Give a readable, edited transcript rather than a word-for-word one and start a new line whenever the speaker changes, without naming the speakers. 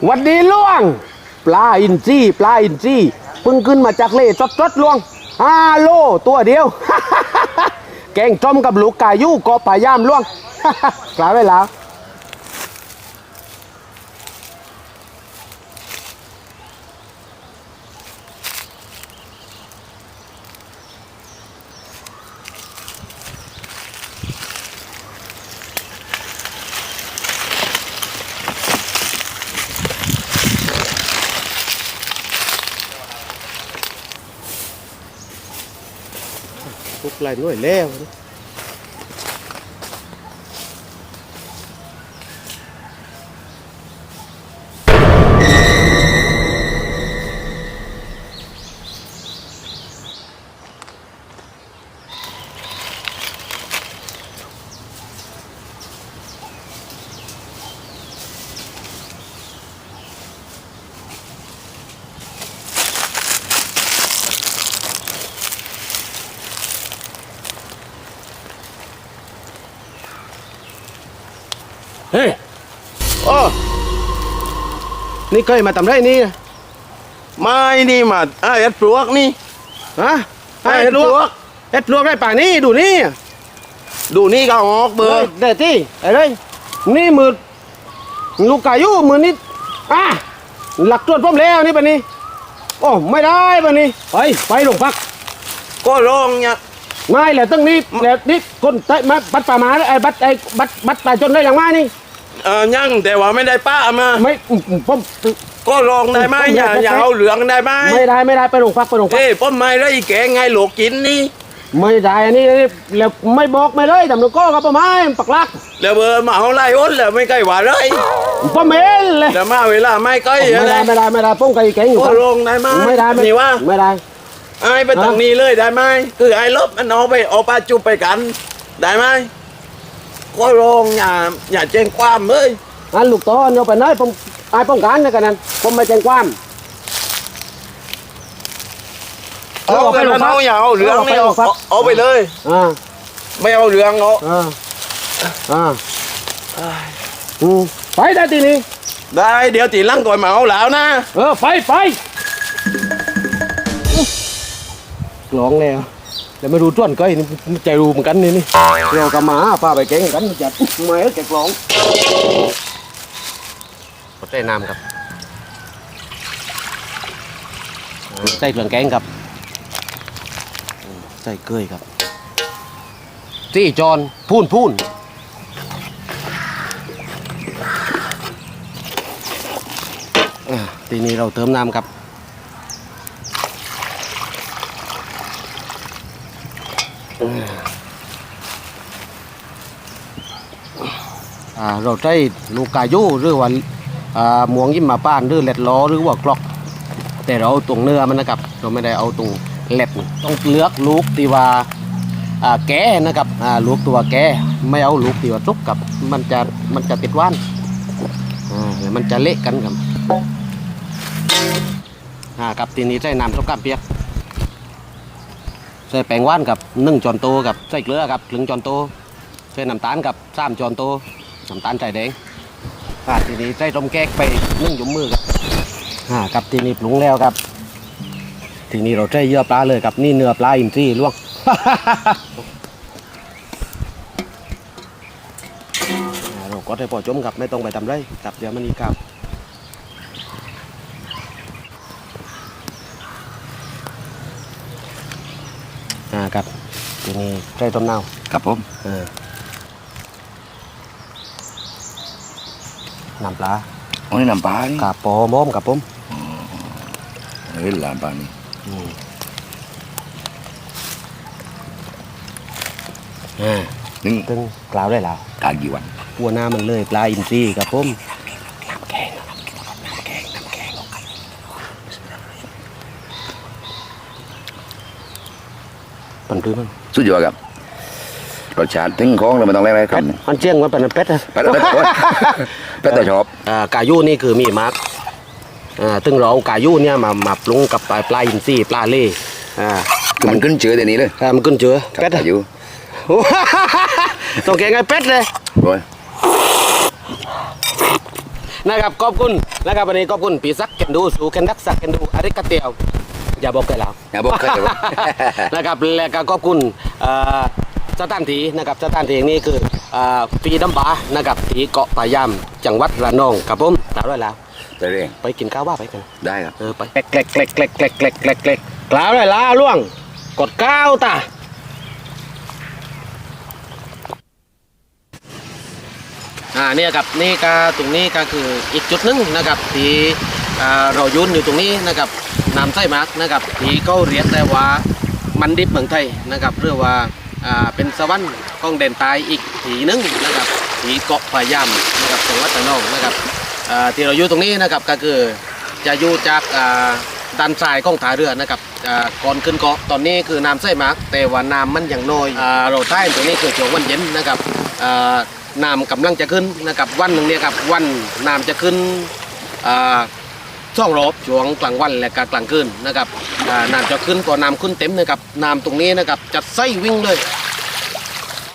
วัดดีล่วงปลาอินทรีเพิ่งขึ้นมาจากเลจดล่วง5 โลตัวเดียว แกงจอมกับลูกกายู่เกาะป่ายามล่วง กล่าวไว้แล้วทุกไรหน่วยแล้วเฮ้ยโอ้นี่เคยมาทำไรนี่
ไม่นี่มาเอ็ดปลวกนี่
ฮะ
เอ็ดปลวก
ได้ป่านี่ดูนี่
ก็ออกเบอร์
เด็ดที่อะไรนี่มือลูกกายู่มือนี่หลักตรวจพร้อมแล้วนี่ป่ะนี่โอ้ไม่ได้ป่ะนี่ไปหลวงพัก
ก็ร้องเนี่ย
ไม่แหละตั้งนี้แหละนี่คนมาบัดป่ามาบัดป่าจนได้อย่างมานี่
ยังแต่ว่าไม่ได้ป้ามา
ไม่ผม
ก็ลองได้ไหมอย่าเอาเหลืองได้ไหม
ไม่ได้ไปโรงพัก
ป้อมไม่ได้แกงไงหลกกินนี่
ไม่ได้อันนี้แล้วไม่บอกไม่เลยทำหนูก็ครับป้าไม้ปักลัก
แล้วเบอร์มาเอาไล่อ้นแล้วไม่ใกล้หวานเลย
ป้าเมลเลย
แล้วมาเวลาไม่ใกล้
ไม่ได้ป้องไก่แกงอยู่
ก็ลงได้ไหม
ไม่ได้
นี่ว่า
ไม่ได้
ไอ้ไปตรงนี้เลยได้ไหมคือไอ้ลบมันเอาปลาจุบไปกันได้ไหมก็ลงอย่าแจ้งความเลย
ลูกต้นเอาไปไหนผมไอ้ป้องกันนะกันนั้นผมไม่แจ้งความ
เอาไปแล้วเอาอย่าเอาเหลืองนี่เอาไปเลยไม่เอาเหลืองเอา
ไปได้ทีนี้
ได้เดี๋ยวตีลังก่อนมาเอาแล้วนะ
ไปกลองแล้วแต่ไม่รู้จ้วนก็ใจรู้เหมือนกันนี่เรากำมาป้าไปแกงกันจัดไม่แกกลองใส่น้ำครับใส่เครื่องแกงครับใส่เกลือครับจี้จอนพูนทีนี้เราเติมน้ำครับเราใช้ลูกกายูหรือว่าหมวงยิ้มมาป้านหรือเล็ดล้อหรือว่ากลอกแต่เราเอาตรงเนื้อมันนะครับเราไม่ได้เอาตรงเล็ดต้องเลือกลูกที่ว่าแก่นะครับลูกตัวแก่ไม่เอาลูกที่ว่าสุกกับมันจะติดว่านมันจะเละกันครับกับทีนี้ใส่น้ำต้มกล้ามเปียกใส่แป้งว่านกับ1 ช้อนโต๊ะกับใส่เกลือกับ1 ช้อนโต๊ะใส่น้ำตาลกับ3 ช้อนโต๊ะน้ำตาลใส่แดงทีนี้ใส่ต้มแก๊กไป1 ยุ้มมือกับทีนี้ปรุงแล้วครับทีนี้เราใช้เยื่อปลาเลยครับนี่เนื้อปลาอินทรีล่วง เราก็ได้พอจมครับไม่ต้องไปทำไรครับเดี๋ยวมันอีกครับครับทีนี้ใช้ต้มเน่า
ครับผม
น้ำปลา
นี่น้ำปลานี่
กับปอม้อมกับผม
น้ำปลานี่
ตึงกล่าวได้แล้ว
กากี่วัน
ปัวหน้ามันเลยปลาอินทรีกับผมน้ำแกงปั่นตื้อมั้ง
สุดยอดครับรสชาติถึงของเราไม่ต้องแรงอะไรครับ
มันเจียงมันเป็นเป็ด
เป็ดแต่ชอบ
กายูนี่คือมีมาร์กตึงเรากายูเนี่ยมาปรุงกับปลาอินทรีปลาเล่
มันขึ้นเจือเดี๋ยวนี้เลย
มันขึ้นเจือเป็ด
กายู
ต้องแกงไงเป็ดเลยนะครับขอบคุณนะครับวันนี้ขอบคุณพี่ซักเคนดูสูเคนดักซักเคนดูอาริกาเตียวอย่าบอกกันแล้ว
อย่าบอกใครเลยว่า
นะครับและก็ขอบคุณสถานที่นะครับสถานที่นี้คือฟรีดัมบาร์นะครับที่เกาะป่ายามจังหวัดระนองครับผมกล่าวด้วยแล้ว
ตัวเอง
ไปกินข้าวว่าไปกัน
ได้ครับ
ไปเกล็กเกล็กเกล็กเกล็กเกล็กเกล็กเกล็กเกล็กกล่าวด้วยแล้วล่วงกดก้าวตาเนี่ยครับนี่ก็ตรงนี้ก็คืออีกจุดหนึงนะครับที่เรายืนอยู่ตรงนี้นะครับน้ำไส้หมักนะครับที่เขาเรียกได้ว่ามันดิบเมืองไทยนะครับเรียกว่าเป็นสวรรค์ของแดนใต้อีกทีหนึงนะครับที่เกาะพะยามนะครับจังหวัดระนองนะครับที่เราอยู่ตรงนี้นะครับก็คือจะอยู่จากด้านซ้ายของท่าเรือนะครับก่อนขึ้นเกาะตอนนี้คือน้ำไส้หมักแต่ว่าน้ำมันยังน้อยเราใต้ตรงนี้คือช่วงวันเย็นนะครับน้ำกำลังจะขึ้นนะครับวันหนึ่งเนี่ยครับวันน้ำจะขึ้นช่องรอบช่วงกลางวันและกลางคืนนะครับน้ำจะขึ้นพอน้ำขึ้นเต็มนะครับน้ำตรงนี้นะครับจะไส้วิ่งเลย